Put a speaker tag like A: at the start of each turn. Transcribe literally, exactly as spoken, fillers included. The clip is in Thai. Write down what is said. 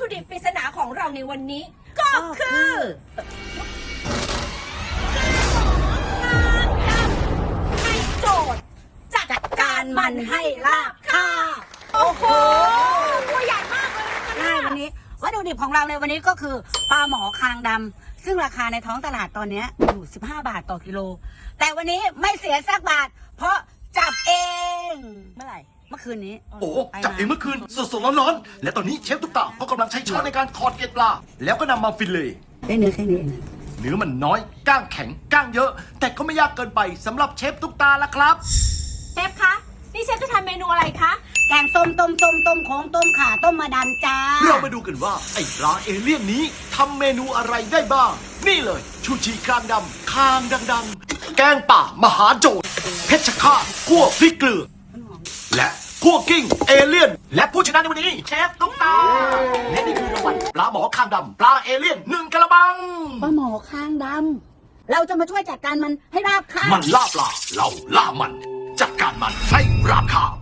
A: ดิบปริศนาของเราในวันนี้ ก็คือให้โจทย์จัดการมันให้ลาบค่ะโอ้โหตัวใหญ่มากเลยนะคะ
B: ใช่วันนี้วัตถุดิบของเราในวันนี้ก็คือปลาหมอคางดำซึ่งราคาในท้องตลาดตอนนี้อยู่สิบห้าบาทต่อกิโลแต่วันนี้ไม่เสียสักบาท เพราะจับเองเมื่อไหร่เมื่อคืนนี้
C: โอ้จับเองเมื่อคืนสดๆร้อนๆและตอนนี้เชฟตุ๊กตาก็กำลังใช้ช้อนในการขอดเกล็ดปลาแล้วก็นำมาฟิลเล่
B: ได้เนื้อแค่นี้เอง
C: เนื้อมันน้อยก้างแข็งก้างเยอะ แต่ก็ไม่ยากเกินไปสำหรับเชฟตุ๊กตาละครับ
A: เชฟคะนี่เชฟจะทำเมนูอะไรคะ
B: แกงส้มต้มต้มต้มโค้งต้มข่าต้มมาดันจ้า
C: เรามาดูกันว่าไอ้ปลาเอเลี่ยนนี้ทำเมนูอะไรได้บ้าง นี่เลยชูชีคางดำคางดังๆ แกงป่ามหาโจรเพชรฆาตคั่วพริกเกลือ และคั่วกิ้งเอเลี่ยน และผู้ชนะในวันนี้เชฟตุ๊กตาและนี่คือรางวัลปลาหมอคางดำปลาเอเลี่ยนหนึ่งกระบัง
B: ปลาหมอคางดำเราจะมาช่วยจัดการมันให้ราบคาบ
C: มันล่าปลาเราล่ามัน จัดการมันให้ราบคาบ